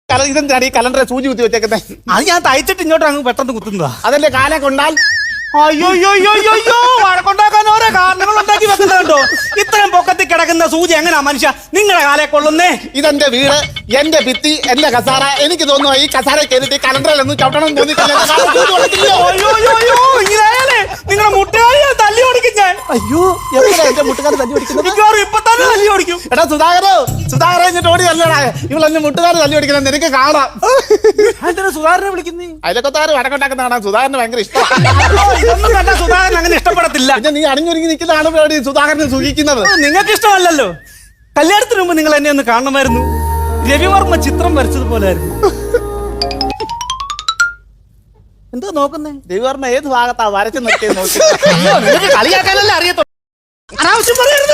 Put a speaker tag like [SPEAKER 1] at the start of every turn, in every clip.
[SPEAKER 1] ഇതെന്താണ് ഈ കലണ്ടറെ സൂചി കുത്തി വെച്ചേക്കുന്നത്?
[SPEAKER 2] അത് ഞാൻ തയ്ച്ചിട്ട് ഇങ്ങോട്ട് അങ്ങ് പെട്ടെന്ന് കുത്തുന്നതാ.
[SPEAKER 1] അതിന്റെ കാലെ കൊണ്ടാൽ
[SPEAKER 2] അയ്യോ വഴക്കുണ്ടാക്കാൻ ഓരോ കാരണങ്ങൾ ഉണ്ടാക്കി വെക്കുന്നുണ്ടോ? ഇത്രയും പൊക്കത്തിൽ കിടക്കുന്ന സൂചി എങ്ങനെയാ മനുഷ്യ നിങ്ങളെ കാലെ കൊള്ളുന്നേ?
[SPEAKER 1] ഇതെന്റെ വീട്, എന്റെ ഭിത്തി, എന്റെ കസാര. എനിക്ക് തോന്നുന്നു ഈ കസാര കയറിയിട്ട് കലണ്ടറിലൊന്നും ചവിട്ടണം തോന്നിയിട്ടില്ല.
[SPEAKER 2] നിങ്ങളെ മുട്ടുകാരിയെ തല്ലി ഓടിക്കും ഞാൻ.
[SPEAKER 1] അയ്യോ എന്റെ മുട്ടുകാർ തല്ലി ഓടിക്കുന്നത്?
[SPEAKER 2] ഇപ്പൊ തന്നെ തല്ലി ഓടിക്കും.
[SPEAKER 1] എടാ സുധാകര എന്നിട്ട് ഓടി തല്ലടാ. ഇവളെന്നെ മുട്ടുകാർ തല്ലി ഓടിക്കണം നിനക്ക് കാണാം.
[SPEAKER 2] സുധാകരനെ വിളിക്കുന്നേ?
[SPEAKER 1] അയലക്കത്താറ് വടക്കുണ്ടാക്കുന്ന കാണാൻ സുധാകരന് ഭയങ്കര ഇഷ്ടമാണ്.
[SPEAKER 2] ഇതൊന്നും കണ്ട സുധാകരൻ അങ്ങനെ ഇഷ്ടപ്പെടത്തില്ല.
[SPEAKER 1] പിന്നെ നീ അണിഞ്ഞൊരുങ്ങി നിൽക്കുന്നതാണ് സുധാകരനെ സൂചിക്കുന്നത്.
[SPEAKER 2] നിങ്ങൾക്ക് ഇഷ്ടമല്ലല്ലോ. കല്യാണത്തിന് മുമ്പ് നിങ്ങൾ എന്നെ ഒന്ന് കാണണമായിരുന്നു. രവിവർമ്മ ചിത്രം വരച്ചതുപോലായിരുന്നു. എന്താ നോക്കുന്നേ?
[SPEAKER 1] രവിവർമ്മ ഏത് ഭാഗത്താ വരച്ച് നിർത്തിയത് നോക്കി.
[SPEAKER 2] നിങ്ങൾക്ക് കളിയാക്കാനല്ലേ അറിയത്തുള്ളൂ. അനാവശ്യം പറയരുത്.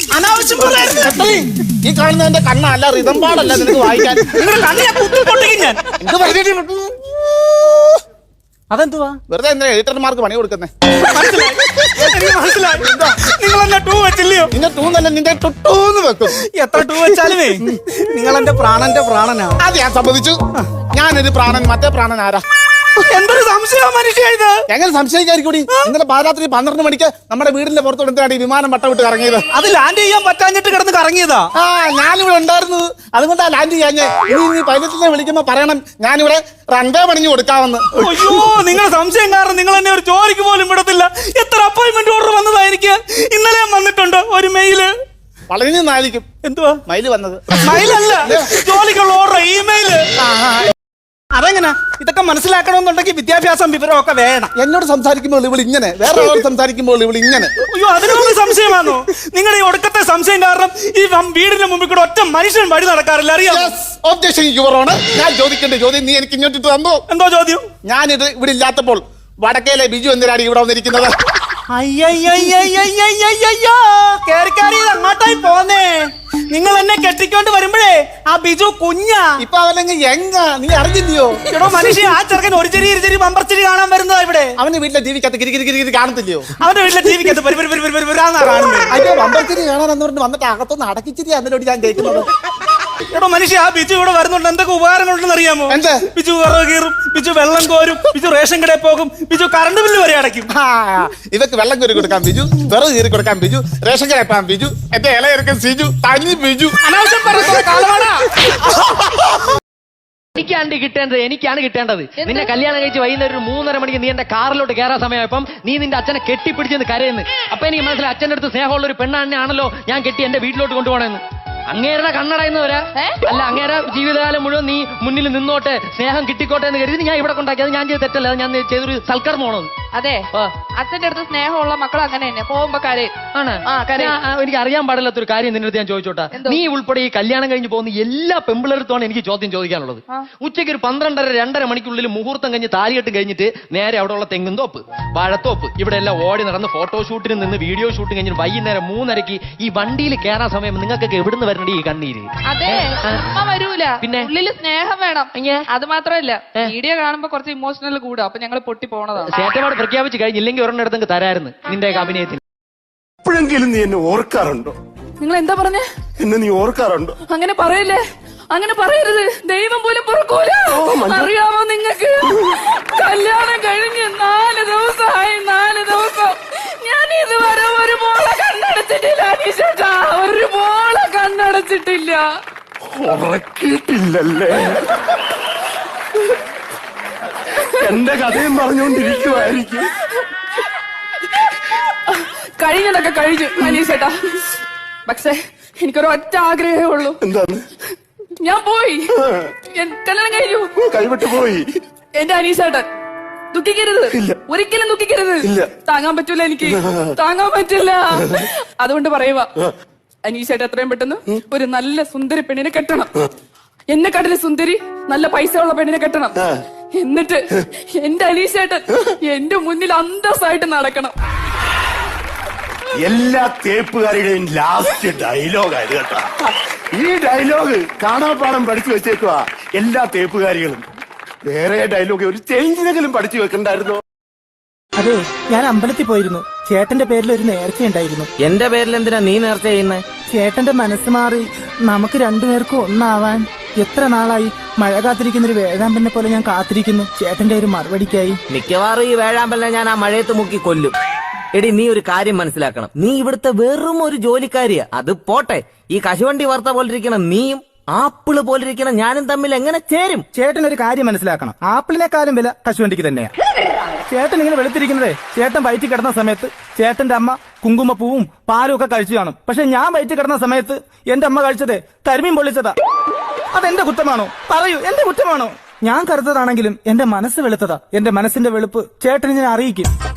[SPEAKER 1] ഈ കാണുന്നതിന്റെ കണ്ണല്ല, റിതം പാടല്ല നിനക്ക് വായിക്കാൻ.
[SPEAKER 2] ഞാൻ
[SPEAKER 1] എന്ത് പറഞ്ഞിട്ട്
[SPEAKER 2] അതെന്തുവാ?
[SPEAKER 1] വെറുതെ എന്താ എഡിറ്റർമാർക്ക് പണി കൊടുക്കുന്നേ?
[SPEAKER 2] മനസ്സിലായി. നിങ്ങൾ എന്നെ ടൂ വെച്ചില്ലയോ?
[SPEAKER 1] നിന്റെ ടൂ നല്ല നിന്റെ ടുട്ടൂന്ന് വെക്കും.
[SPEAKER 2] എത്ര ടൂ വെച്ചാലുമേ നിങ്ങൾ എന്റെ പ്രാണന്റെ പ്രാണനാണ്.
[SPEAKER 1] അത് ഞാൻ സമ്മതിച്ചു. ഞാനൊരു പ്രാണൻ, മറ്റേ പ്രാണൻ ആരാ?
[SPEAKER 2] എന്തൊരു സംശയം മനുഷ്യ ഇത്.
[SPEAKER 1] എങ്ങനെ സംശയിക്കാതിരിക്കൂടി? ഇന്നലെ പാരാത്രി 12 മണിക്ക് നമ്മുടെ വീടിന്റെ പുറത്തോടെന്താണ് ഈ വിമാനം വട്ടം വിട്ട് കറങ്ങിയത്?
[SPEAKER 2] അത് ലാൻഡ് ചെയ്യാൻ പറ്റാഞ്ഞിട്ട് കിടന്ന് കറങ്ങിയതാ.
[SPEAKER 1] ഞാനിവിടെ ഉണ്ടായിരുന്നു, അതുകൊണ്ടാ ലാൻഡ് ചെയ്യാൻ. നീ പൈലറ്റിനെ വിളിക്കുമ്പോ പറയണം ഞാനിവിടെ റൺവേ പണിഞ്ഞു കൊടുക്കാമെന്ന്.
[SPEAKER 2] അയ്യോ നിങ്ങളെ സംശയം കാരണം നിങ്ങൾ എന്നെ ഒരു ജോലിക്ക് പോലും വിടത്തില്ല. എത്ര അപ്പോയിന്റ്മെന്റ് ഓർഡർ വന്നതാ എനിക്ക്. ഇന്നലെ വന്നിട്ടുണ്ട് ഒരു മെയില്.
[SPEAKER 1] വളരെ നന്നായിരിക്കും.
[SPEAKER 2] എന്തുവാ
[SPEAKER 1] മൈല് വന്നത്?
[SPEAKER 2] മൈലല്ല, ജോലിക്കുള്ള ഓർഡർ ഇമെയില്. അതെങ്ങനെ? ഇതൊക്കെ മനസ്സിലാക്കണമെന്നുണ്ടെങ്കിൽ വിദ്യാഭ്യാസം വിവരമൊക്കെ വേണം.
[SPEAKER 1] എന്നോട് സംസാരിക്കുമ്പോൾ ഇവൾ ഇങ്ങനെ, വേറെ ആളോട് സംസാരിക്കുമ്പോൾ ഇവൾ ഇങ്ങനെ.
[SPEAKER 2] അയ്യോ അതിനൊന്നും സംശയമാണോ? നിങ്ങളുടെ ഈ ഒടുക്കത്തെ സംശയം കാരണം ഈ വീടിന്റെ മുമ്പിൽ കൂടെ ഒറ്റ മനുഷ്യൻ വഴി നടക്കാറില്ല, അറിയാം.
[SPEAKER 1] ഞാൻ ചോദിക്കേണ്ട ചോദ്യം നീ എനിക്ക് ഇങ്ങോട്ടിട്ട് തന്നോ?
[SPEAKER 2] എന്തോ ചോദ്യം?
[SPEAKER 1] ഞാനിത് ഇവിടെ ഇല്ലാത്തപ്പോൾ വടക്കേലെ ബിജു എന്തിനാണ് ഇവിടെ വന്നിരിക്കുന്നത്?
[SPEAKER 2] അയ്യോ കേറിക്കാരി അങ്ങോട്ടായി പോന്നേ. നിങ്ങൾ എന്നെ കെട്ടിക്കൊണ്ട് വരുമ്പോഴേ ആ ബിജു കുഞ്ഞാ.
[SPEAKER 1] ഇപ്പൊ അവനെങ്കിൽ നീ അറിഞ്ഞില്ലയോ?
[SPEAKER 2] എടോ മനുഷ്യ, ആ ചെറുക്കൻ ഒരു ചെറിയ ഇരുചെരി ബമ്പർച്ചിരി കാണാൻ വരുന്നതാ ഇവിടെ.
[SPEAKER 1] അവന്റെ വീട്ടിലെ ടിവിക്കകത്ത് കിരി കാണത്തില്ലയോ?
[SPEAKER 2] അവന്റെ വീട്ടിലെ ടിവിക്കകത്ത് കാണുന്നത്.
[SPEAKER 1] അയ്യോ ബമ്പർച്ചിരി കാണാനെന്ന് പറഞ്ഞ് വന്നിട്ട് അകത്തൊന്ന് അടക്കിച്ചിരി അതിനോട് ഞാൻ കേൾക്കുന്നത്.
[SPEAKER 2] എടോ മനുഷ്യ, ആ ബിജു ഇവിടെ വരുന്നുണ്ട്. എന്തൊക്കെ ഉപകാരങ്ങളുണ്ടെന്ന് അറിയാമോ?
[SPEAKER 1] എന്ത്?
[SPEAKER 2] ബിജു വിറക് കീറും, ബിജു വെള്ളം കോരും, ബിജു റേഷൻ കടയിൽ പോകും, ബിജു കറണ്ട് ബില്ല് വരെ അടയ്ക്കും.
[SPEAKER 1] ഇവക്ക് വെള്ളം കോരി കൊടുക്കാൻ ബിജു, വിറക് കീറി കൊടുക്കാൻ ബിജു, റേഷൻ കടയിൽ പോകാൻ ബിജു, എന്റെ ഇളയെടുക്കാൻ സിജു, തനി ബിജു. അനാവശ്യം
[SPEAKER 3] എനിക്കാണ് കിട്ടേണ്ടത്. നിന്നെ കല്യാണം കഴിച്ച് വൈകുന്നേരം 3:30 മണിക്ക് നീ എന്റെ കാറിലോട്ട് കയറാൻ സമയമായപ്പം നീ നിന്റെ അച്ഛനെ കെട്ടിപ്പിടിച്ചെന്ന് കരയുന്നു. അപ്പൊ എനിക്ക് മനസ്സിലായി അച്ഛൻ്റെ അടുത്ത് സ്നേഹമുള്ള ഒരു പെണ്ണാണെന്നാണല്ലോ ഞാൻ കെട്ടി എന്റെ വീട്ടിലോട്ട് കൊണ്ടുപോകണമെന്ന്. അങ്ങേരുടെ കണ്ണടയുന്നവരാ അല്ല, അങ്ങേരെ ജീവിതകാലം മുഴുവൻ നീ മുന്നിൽ നിന്നോട്ടെ, സ്നേഹം കിട്ടിക്കോട്ടെ എന്ന് കരുതി ഞാൻ ഇവിടെ കൊണ്ടാക്കി. അത് ഞാൻ ചെയ്ത് തെറ്റല്ല, അത് ഞാൻ ചെയ്തൊരു സൽക്കർമ്മമാണോ?
[SPEAKER 4] അതെ, അച്ഛന്റെ അടുത്ത് സ്നേഹമുള്ള മക്കൾ അങ്ങനെ തന്നെ പോകുമ്പോ കരയും.
[SPEAKER 3] എനിക്ക് അറിയാൻ പാടില്ലാത്തൊരു കാര്യം നിന്റെ അടുത്ത് ഞാൻ ചോദിച്ചോട്ടെ. നീ ഉൾപ്പെടെ ഈ കല്യാണം കഴിഞ്ഞ് പോകുന്ന എല്ലാ പെമ്പിളടുത്താണ് എനിക്ക് ചോദ്യം ചോദിക്കാനുള്ളത്. ഉച്ചയ്ക്ക് ഒരു 12:30-2:30 മണിക്കുള്ളിൽ മുഹൂർത്തം കഴിഞ്ഞ് താലികെട്ട് കഴിഞ്ഞിട്ട് നേരെ അവിടെയുള്ള തെങ്ങും തോപ്പ്, വാഴത്തോപ്പ്, ഇവിടെ എല്ലാം ഓടി നടന്ന് ഫോട്ടോഷൂട്ടിന് നിന്ന് വീഡിയോ ഷൂട്ടിങ് കഴിഞ്ഞ് വൈകുന്നേരം 3:30 ഈ വണ്ടിയിൽ കയറാൻ സമയം നിങ്ങൾക്കൊക്കെ എവിടുന്ന് വരണ്ട ഈ കണ്ണീര്?
[SPEAKER 4] അതെ, വരൂല. പിന്നെ ഉള്ളില് സ്നേഹം വേണം. അത് മാത്രമല്ല, വീഡിയോ കാണുമ്പോ കുറച്ച് ഇമോഷണൽ കൂടും. അപ്പൊ ഞങ്ങൾ പൊട്ടി പോണതാണ്.
[SPEAKER 3] ചേട്ടപാട് പ്രഖ്യാപിച്ച് കഴിഞ്ഞില്ലെങ്കിൽ ഒരെണ്ണിടത്ത് തരായിരുന്നു നിന്റെ അഭിനയത്തിന്.
[SPEAKER 5] എപ്പോഴെങ്കിലും നീ എന്നെ ഓർക്കാറുണ്ടോ?
[SPEAKER 4] നിങ്ങൾ എന്താ പറഞ്ഞേ?
[SPEAKER 5] എന്നെ നീ ഓർക്കാറുണ്ടോ?
[SPEAKER 4] അങ്ങനെ പറയല്ലേ, അങ്ങനെ പറയരുത്. ദൈവം പോലും പൊറുക്കൂല. അറിയാമോ നിങ്ങൾക്ക്? കല്യാണം കഴിഞ്ഞ് 4 ദിവസമായി. 4 ദിവസം ഞാൻ ഇതുവരെ ഒരു മോളെ കണ്ണടച്ചിട്ടില്ല. അനീഷേട്ടാ, ഒരു മോളെ കണ്ണടച്ചിട്ടില്ല.
[SPEAKER 5] ഉറക്കിയിട്ടില്ലല്ലേ? എന്റെ കഥയും പറഞ്ഞുകൊണ്ടിരിക്കുവായിരിക്കും.
[SPEAKER 4] കഴിഞ്ഞതൊക്കെ കഴിഞ്ഞു അനീഷേട്ടാ. പക്ഷേ എനിക്കൊരു ഒറ്റ ആഗ്രഹമേ ഉള്ളൂ.
[SPEAKER 5] എന്താണ്?
[SPEAKER 4] ഞാൻ പോയി, കല്യാണം കഴിഞ്ഞു,
[SPEAKER 5] കൈവിട്ട് പോയി.
[SPEAKER 4] എന്റെ അനീഷേട്ടൻ ദുഃഖിക്കരുത്, ഒരിക്കലും ദുഃഖിക്കരുത്. താങ്ങാൻ പറ്റൂല, എനിക്ക് താങ്ങാൻ പറ്റില്ല. അതുകൊണ്ട് പറയുക, അനീഷേട്ടൻ എത്രയും പെട്ടെന്ന് ഒരു നല്ല സുന്ദരി പെണ്ണിനെ കെട്ടണം. എന്നെക്കാട്ടിലും സുന്ദരി നല്ല പൈസ ഉള്ള പെണ്ണിനെ കെട്ടണം. എന്നിട്ട് എന്റെ അനീഷേട്ടൻ എന്റെ മുന്നിൽ അന്തസ്സായിട്ട് നടക്കണം.
[SPEAKER 5] എല്ലാ തേപ്പുകാരുടെയും ലാസ്റ്റ് ഡയലോഗായത് കേട്ടോ. ഈ ഡയലോഗ് കാണാപ്പാടം പഠിച്ചു വെച്ചേക്കുവാ എല്ലാ തേപ്പുകാരികളും. വേറെ ഡയലോഗ് ഒരു ചേഞ്ചിനെങ്കിലും പഠിച്ചു വെക്കണ്ടായിരുന്നോ?
[SPEAKER 6] അതെ, ഞാൻ അമ്പലത്തിൽ പോയിരുന്നു. ചേട്ടന്റെ പേരിൽ ഒരു നേർച്ച ഉണ്ടായിരുന്നു.
[SPEAKER 3] എന്റെ പേരിൽ എന്തിനാ നീ നേർച്ച ചെയ്യുന്നത്?
[SPEAKER 6] ചേട്ടന്റെ മനസ്സ് മാറി നമുക്ക് രണ്ടുപേർക്കും ഒന്നാവാൻ. എത്ര നാളായി മഴ കാത്തിരിക്കുന്ന ഒരു വേഴാമ്പലിനെ പോലെ ഞാൻ കാത്തിരിക്കുന്നു ചേട്ടന്റെ ഒരു മറുപടിക്കായി.
[SPEAKER 7] മിക്കവാറും ഈ വേഴാമ്പലിനെ ഞാൻ ആ മഴയത്ത് മുക്കി കൊല്ലും. എടി, നീ ഒരു കാര്യം മനസ്സിലാക്കണം. നീ ഇവിടുത്തെ വെറും ഒരു ജോലിക്കാരിയാ. അത് പോട്ടെ, ഈ കശുവണ്ടി വാർത്ത പോലിരിക്കണം നീയും ആപ്പിള് പോലിരിക്കണം ഞാനും തമ്മിൽ എങ്ങനെ ചേരും?
[SPEAKER 6] ചേട്ടൻ ഒരു കാര്യം മനസ്സിലാക്കണം, ആപ്പിളിനെക്കാളും വില കശുവണ്ടിക്ക് തന്നെയാ. ചേട്ടൻ ഇങ്ങനെ വെളുത്തിരിക്കുന്നതേ ചേട്ടൻ വയറ്റിൽ കിടന്ന സമയത്ത് ചേട്ടന്റെ അമ്മ കുങ്കുമപ്പൂവും പാലും ഒക്കെ കഴിച്ചു കാണും. പക്ഷെ ഞാൻ വയറ്റിൽ കിടന്ന സമയത്ത് എന്റെ അമ്മ കഴിച്ചത് കരിമീൻ പൊള്ളിച്ചതാ. അതെന്റെ കുറ്റമാണോ? പറയൂ, എന്റെ കുറ്റമാണോ? ഞാൻ കറുത്തതാണെങ്കിലും എന്റെ മനസ്സ് വെളുത്തതാ. എന്റെ മനസ്സിന്റെ വെളുപ്പ് ചേട്ടന് ഞാൻ അറിയിക്കും.